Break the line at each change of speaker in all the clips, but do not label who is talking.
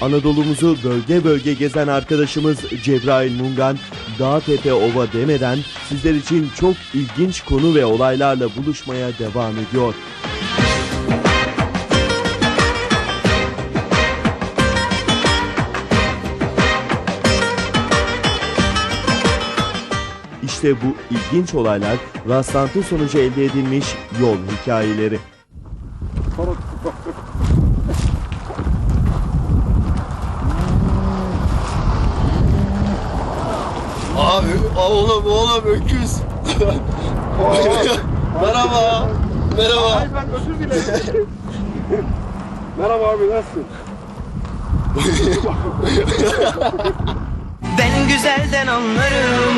Anadolu'muzu bölge bölge gezen arkadaşımız Cebrail Mungan, dağ tepe ova demeden sizler için çok ilginç konu ve olaylarla buluşmaya devam ediyor. İşte bu ilginç olaylar rastlantı sonucu elde edilmiş yol hikayeleri.
Abi oğlum öküz. Merhaba.
Ay ben özür dilerim. Merhaba abi, nasılsın?
Ben güzelden anlarım.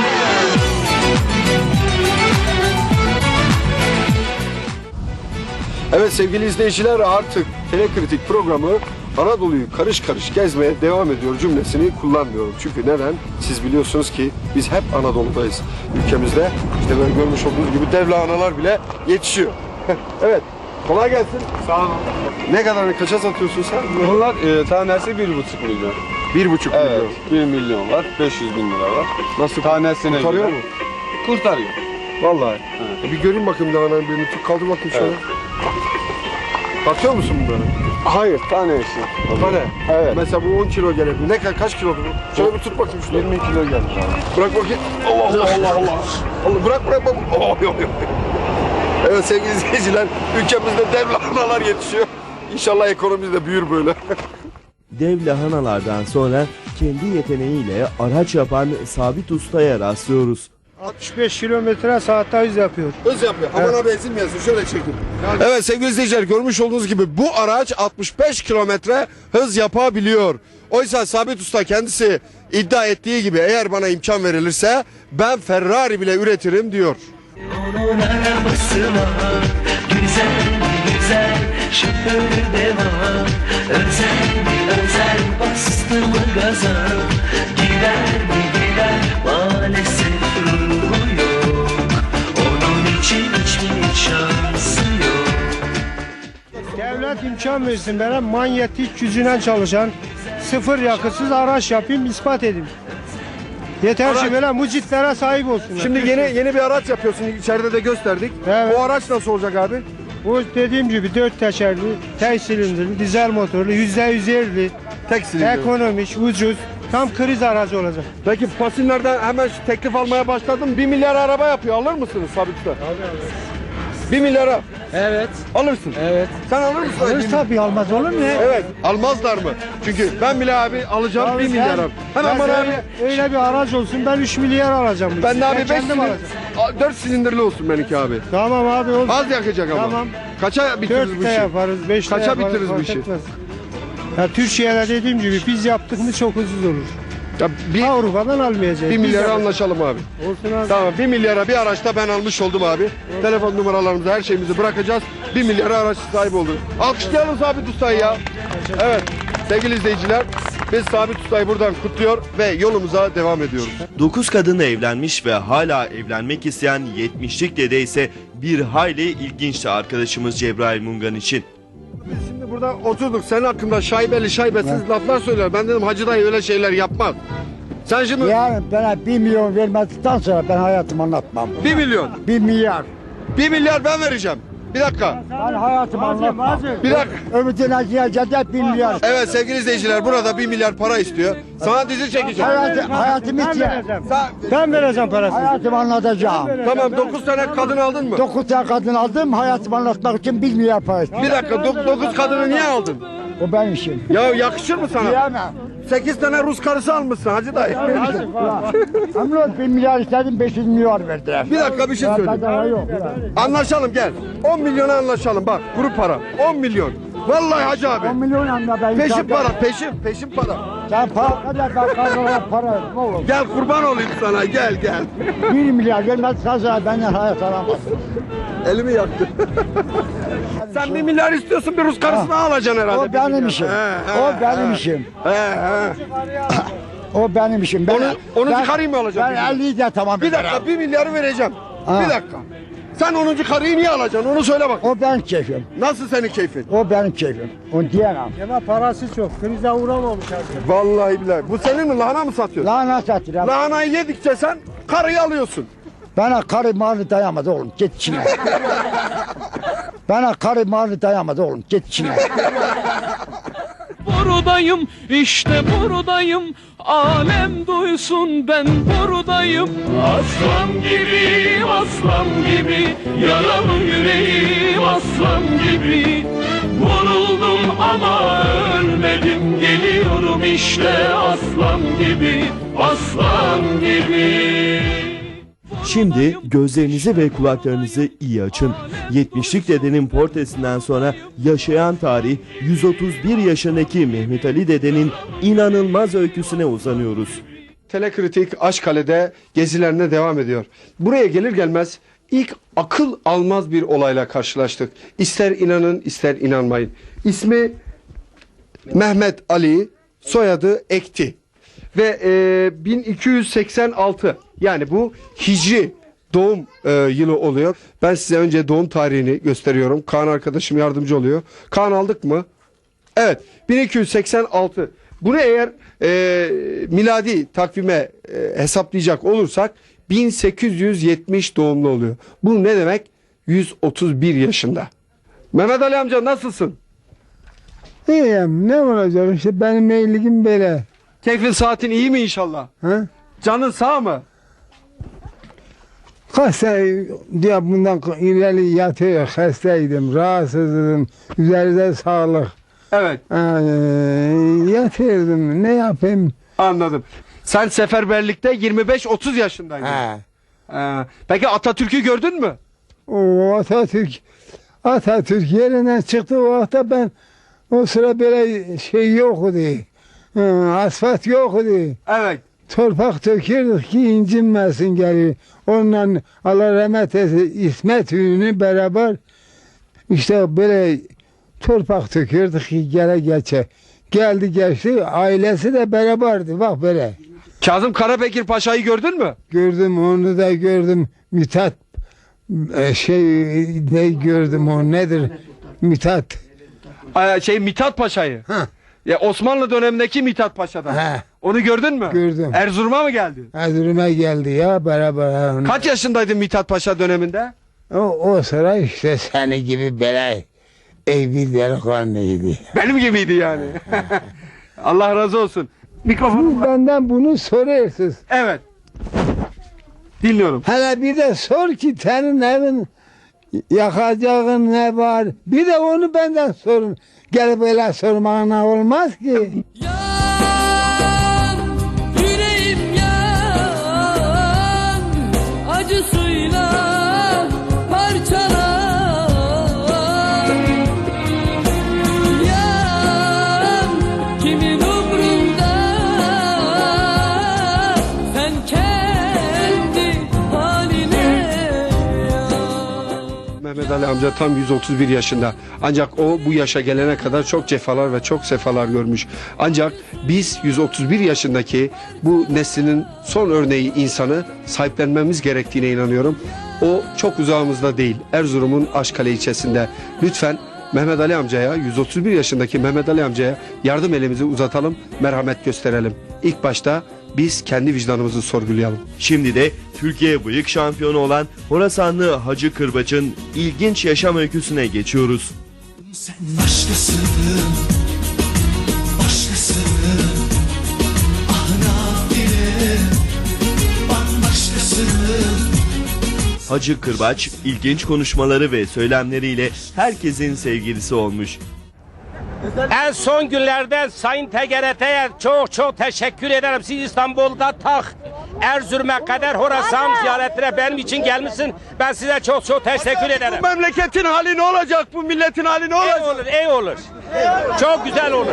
Evet sevgili izleyiciler, artık Telekritik programı Anadolu'yu karış karış gezmeye devam ediyor cümlesini kullanmıyorum. Çünkü neden? Siz biliyorsunuz ki biz hep Anadolu'dayız. Ülkemizde işte böyle görmüş olduğunuz gibi dev lahanalar bile yetişiyor. Evet, kolay gelsin.
Sağ olun.
Ne kadarını kaça satıyorsun sen?
Bunlar tanesi 1,5 milyon.
1,5
Evet,
milyon.
1 milyon var, 500 bin lira var.
Nasıl?
Tanesine
Kurtarıyor
göre.
mu?
Kurtarıyor.
Vallahi. Bir göreyim bakayım lahananın birini. Kaldır bakayım şöyle.
Evet.
Bakıyor musun bunları?
Hayır, tane işi.
Tane.
Evet.
Mesela bu 10 kilo gelebilir. Kaç kilodur bu? Şöyle bir tut bakayım şunu.
20 kilo gelir abi.
Bırak bakayım. Allah bırak. Oh, yok. Evet sevgili izleyiciler, ülkemizde dev lahanalar yetişiyor. İnşallah ekonomimiz de büyür böyle.
Dev lahanalardan sonra kendi yeteneğiyle araç yapan Sabit Usta'ya rastlıyoruz.
65 kilometre saatte hız yapıyor.
Hız yapıyor. Aman abi ezilmeyesin. Şöyle çekin. Evet sevgili izleyiciler, görmüş olduğunuz gibi bu araç 65 kilometre hız yapabiliyor. Oysa Sabit Usta kendisi iddia ettiği gibi eğer bana imkan verilirse ben Ferrari bile üretirim diyor.
Onun arabası var. Güzel şoförü de var. Özel bastı mı gaza. Gider maalesef ruhu yok. Onun için hiçbir şansı yok.
Devlet imkan versin bana, manyetik yüzünden çalışan sıfır yakıtsız araç yapayım, ispat edeyim. Yeter ki böyle mucitlere sahip olsunlar.
Şimdi yeni bir araç yapıyorsun. İçeride de gösterdik.
Evet.
O araç nasıl olacak abi?
Bu dediğim gibi 4 tekerli, tek silindirli, dizel motorlu, %100 yerli,
Tek silindir.
ekonomik, ucuz, tam kriz aracı olacak.
Peki Fasinler'den hemen teklif almaya başladım. 1 milyar araba yapıyor. Alır mısınız Sabit Usta? 1 milyara.
Evet.
Alırsın.
Evet.
Sen alır mısın?
Alırız tabii, almaz olur mu?
Evet. Almazlar mı? Çünkü ben bile abi alacağım 1 milyar abi. Hemen bana abi.
Öyle bir araç olsun, ben 3 milyar alacağım.
Ben de abi 5
kendim alacağım.
4 silindirli olsun benimki abi.
Tamam abi olsun.
Az yakacak ama.
Tamam.
Kaça bitiririz bu
4'te
işi?
yaparız, 5'te
Kaça
yaparız.
bitiririz bu
fark
işi?
etmez. Ya Türkiye'de dediğim gibi biz yaptık mı çok ucuz olur.
Ya
Avrupa'dan almayacağız.
1
Biz
milyara
yapacağız.
anlaşalım abi.
Olsun abi.
Tamam 1 milyara bir araçta ben almış oldum abi. Telefon numaralarımızı, her şeyimizi bırakacağız. 1 milyara araç sahibi olduk. Alkışlayalım Sabit Usta'yı ya. Evet sevgili izleyiciler, biz Sabit Usta'yı buradan kutluyor ve yolumuza devam ediyoruz.
9 kadınla evlenmiş ve hala evlenmek isteyen 70'lik dede ise bir hayli ilginçti arkadaşımız Cebrail Mungan için.
Biz şimdi burada oturduk, senin hakkında şaibesiz laflar söyler. Ben dedim Hacı dayı öyle şeyler yapmaz. Sen şimdi
Yani bana 1 milyon vermedikten sonra ben hayatımı anlatmam.
1 milyon,
1 milyar.
1 milyar ben vereceğim. Bir dakika,
Ben hayatımı anlatmam.
bir dakika.
Ömrüne gidecek 1 milyar.
Evet sevgili izleyiciler, burada 1 milyar para istiyor. Sana dizi çekeceğim.
Hayatımı
Ben
istiyor.
vereceğim.
Sen,
Ben vereceğim parasını.
Hayatımı anlatacağım.
tamam 9 tane kadın aldın mı?
9 tane kadın aldım, hayatımı anlatmak için 1 milyar para istiyor.
Bir dakika 9 kadını niye aldın?
O benim işim.
Ya yakışır mı sana?
Diyemem.
8 tane Rus karısı almışsın Hacı dayı.
Ama 1 milyar istedim, 500 milyar verdiler.
Bir dakika bir şey söyleyeyim.
Bedava yok.
Anlaşalım gel. 10 milyona anlaşalım bak, grup para. 10 milyon. Vallahi Hacı
10
abi.
milyon anla ben.
Peşin para, peşin para.
Sen para kadar ben kazanıyorum para. Ne olur.
Gel kurban olayım sana, gel.
1 milyar vermezsen sonra benden hayat alamazsın.
Elimi yaktı. Sen 1 milyar istiyorsun, bir Rus karısını alacaksın herhalde.
O benim işim. O benim işim. O benim işim.
Onu çıkarayım mı alacaksın?
Ben 50'yi de tamam.
Bir dakika 1 milyarı vereceğim.
Ha.
Bir dakika. Sen 10. karıyı niye alacaksın? Onu söyle bak.
O benim keyfim.
Nasıl senin keyfin?
O benim keyfim. Onu diyemem.
Ama parası çok. Krize uğramamış artık.
Vallahi billahi. Bu senin mi? Lahana mı satıyorsun?
Lahana satırım.
Lahanayı yedikçe sen karıyı alıyorsun.
Bana karı malı dayamadı oğlum. Git içine. Bana karı malı dayamadı oğlum. Git içine.
Buradayım, işte buradayım. Alem duysun ben buradayım. Aslan gibi, aslan gibi. Yaralı yüreğim aslan gibi. Vuruldum ama ölmedim. Geliyorum işte aslan gibi, aslan gibi.
Şimdi gözlerinizi ve kulaklarınızı iyi açın. 70'lik dedenin portresinden sonra yaşayan tarih 131 yaşındaki Mehmet Ali dedenin inanılmaz öyküsüne uzanıyoruz.
Telekritik Aşkale'de gezilerine devam ediyor. Buraya gelir gelmez ilk akıl almaz bir olayla karşılaştık. İster inanın ister inanmayın. İsmi Mehmet Ali, soyadı Ekti. Ve 1286 yani bu Hicri doğum yılı oluyor. Ben size önce doğum tarihini gösteriyorum. Kaan arkadaşım yardımcı oluyor. Kaan aldık mı? Evet 1286. Bunu eğer miladi takvime hesaplayacak olursak 1870 doğumlu oluyor. Bu ne demek? 131 yaşında. Mehmet Ali amca nasılsın?
İyiyim. Ne olacak işte benim meyilligim böyle.
Keyfin saatin iyi mi inşallah?
Ha?
Canın sağ mı?
Kaç sene diye bundan ileri yatıyor. Hastaydım, rahatsızdım. Üzerinde sağlık.
Evet
Yatıyordum. Ne yapayım?
anladım. Sen seferberlikte 25-30 yaşındaydın. Peki Atatürk'ü gördün mü?
O Atatürk yerinden çıktı o vakta ben o sıra böyle şey yoktu. Asfalt yoktu.
Evet.
Torpak dökürdük ki incinmesin geri. Onunla Allah rahmet eylesin İsmet Ünlü beraber işte böyle torpak dökürdük ki gele geçe. Geldi geçti ailesi de beraberdi bak böyle.
Kazım Karabekir Paşa'yı gördün mü?
Gördüm onu da gördüm. Mithat ne gördüm o nedir? Mithat.
Mithat Paşa'yı.
Ha.
Ya Osmanlı dönemindeki Mithat Paşa'dan.
Ha.
Onu gördün mü?
Gördüm.
Erzurum'a mı geldin?
Erzurum'a geldi ya beraber.
Kaç yaşındaydın Mithat Paşa döneminde?
O sıra işte seni gibi böyle bir delikanlıydı.
Benim gibiydi yani. Allah razı olsun. Mikrofonu.
Benden bunu soruyorsunuz.
Evet. Dinliyorum.
Hele bir de sor ki senin evin yakacağın ne var? Bir de onu benden sorun. Gelip böyle sormana olmaz ki.
Yan, yüreğim yan, acısıyla parçalan. Yan, kimin umrunda, sen kendi haline yan.
Mehmet Ali amca tam 131 yaşında. Ancak o bu yaşa gelene kadar çok cefalar ve çok sefalar görmüş. Ancak biz 131 yaşındaki bu neslinin son örneği insanı sahiplenmemiz gerektiğine inanıyorum. O çok uzağımızda değil. Erzurum'un Aşkale ilçesinde. Lütfen Mehmet Ali amcaya, 131 yaşındaki Mehmet Ali amcaya yardım elimizi uzatalım, merhamet gösterelim. İlk başta biz kendi vicdanımızı sorgulayalım.
Şimdi de Türkiye bıyık şampiyonu olan Horasanlı Hacı Kırbaç'ın ilginç yaşam öyküsüne geçiyoruz.
Sen başkasın, başkasın. Ah nafile, bambaşkasın.
Hacı Kırbaç ilginç konuşmaları ve söylemleriyle herkesin sevgilisi olmuş.
En son günlerde Sayın TGRT'ye çok teşekkür ederim. Siz İstanbul'da Erzurum'a kadar Horasan ziyaretine benim için gelmişsin. Ben size çok teşekkür ederim.
Bu memleketin hali ne olacak? Bu milletin hali ne olacak?
İyi olur. Çok güzel olur.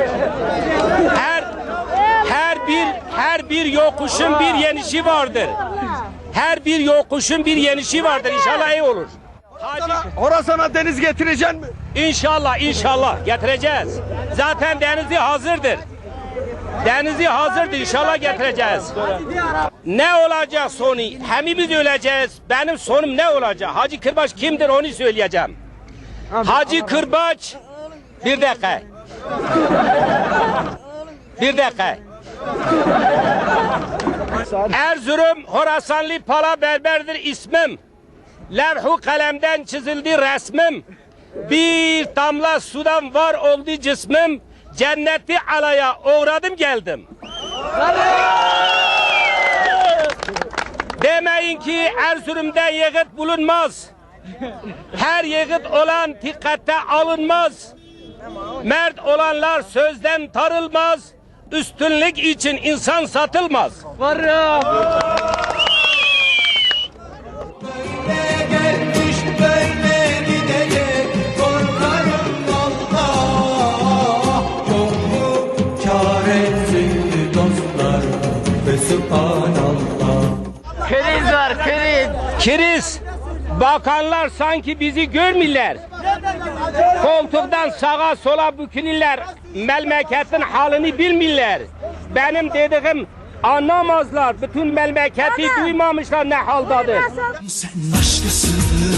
Her bir yokuşun bir yenişi vardır. Her bir yokuşun bir yenişi vardır. İnşallah iyi olur.
Horasan'a deniz getireceksin mi?
İnşallah getireceğiz. Zaten denizi hazırdır. Denizi hazırdır, inşallah getireceğiz. Ne olacak sonu? Hepimiz öleceğiz. Benim sonum ne olacak? Hacı Kırbaç kimdir onu söyleyeceğim. Hacı Kırbaç, bir dakika. Bir dakika. Erzurum Horasanlı Pala Berber'dir ismim. Levh-u kalemden çizildi resmim. Bir damla sudan var oldu cismim. Cenneti alaya uğradım geldim. Demeyin ki Erzurum'da yiğit bulunmaz. Her yiğit olan dikkate alınmaz. Mert olanlar sözden tarılmaz. Üstünlük için insan satılmaz.
Gelmiş böyle gidecek korkarım Allah. Yok mu çaresi dostlar ve subhanallah.
Kriz var, kriz. Kriz. Bakanlar sanki bizi görmürler. Koltuktan sağa sola bükülürler. Memleketin halini bilmirler. Benim dediğim anlamazlar. Bütün memleketi duymamışlar ne haldadır.
Sen başkasın,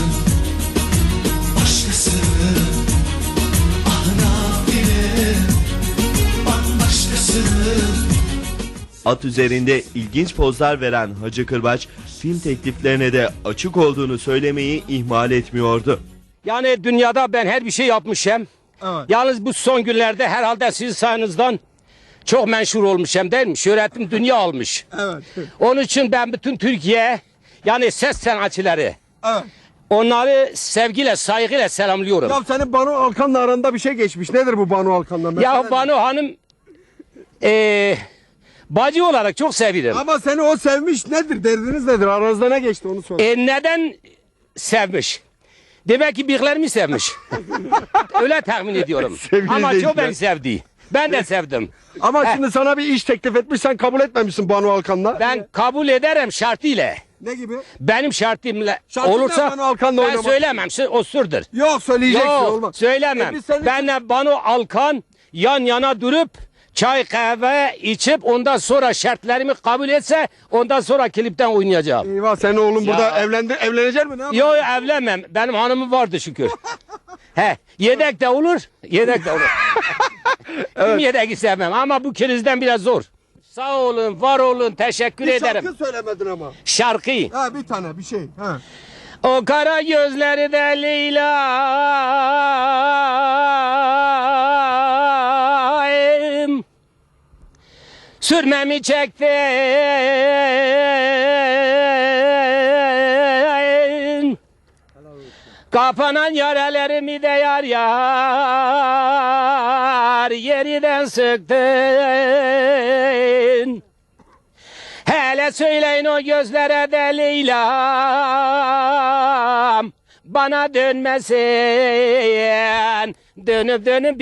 başkasın. Ah nafile, bambaşkasın.
At üzerinde ilginç pozlar veren Hacı Kırbaç, film tekliflerine de açık olduğunu söylemeyi ihmal etmiyordu.
Yani dünyada ben her bir şey yapmışım. Evet. Yalnız bu son günlerde herhalde sizin sayenizden çok meşhur olmuşum değil mi? Şöhretim dünya almış.
Evet.
Onun için ben bütün Türkiye yani ses sanatçıları onları sevgiyle saygıyla selamlıyorum.
Ya senin Banu Alkan'la aranda bir şey geçmiş. Nedir bu Banu Alkan'la?
Ya Banu Hanım bacı olarak çok severim.
Ama seni o sevmiş nedir? Derdiniz nedir? Aranızda ne geçti onu söyle.
Neden sevmiş? Demek ki bıyıklarımı sevmiş. Öyle tahmin ediyorum. Ama çok beni sevdi. Ben de sevdim.
Ama şimdi sana bir iş teklif etmiş, sen kabul etmemişsin Banu Alkan'la.
Ben kabul ederim şartıyla.
Ne gibi?
Benim şartımla
Şartın
olursa
Banu Alkan'la
ben
oynamak.
söylemem. O sırdır.
Yok söyleyeceksin
Yok
olmaz.
söylemem.
Biz senin-
Benle Banu Alkan yan yana durup çay kahve içip ondan sonra şartlarımı kabul etse ondan sonra klipten oynayacağım.
Eyvah senin oğlun burada evlenecek mi? Ne yapacak?
Yok evlenmem. Benim hanımım vardı şükür. He, yedek de olur. Yedek de olur. Evet. Yedek istemem ama bu krizden biraz zor. Sağ olun, var olun, teşekkür
Bir
ederim.
şarkı söylemedin ama.
Şarkı.
Ha bir tane bir şey. Ha.
O kara gözleri de Leyla'm sürmemi çektin kapanan yaralarımı da yar yar yeriden sıktın. Hele söyleyin o gözlere de Leyla'm bana dönmesin, dönüp dönüp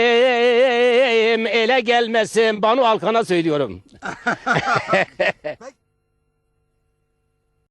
bizim ele gelmesin. Banu Alkan'a söylüyorum.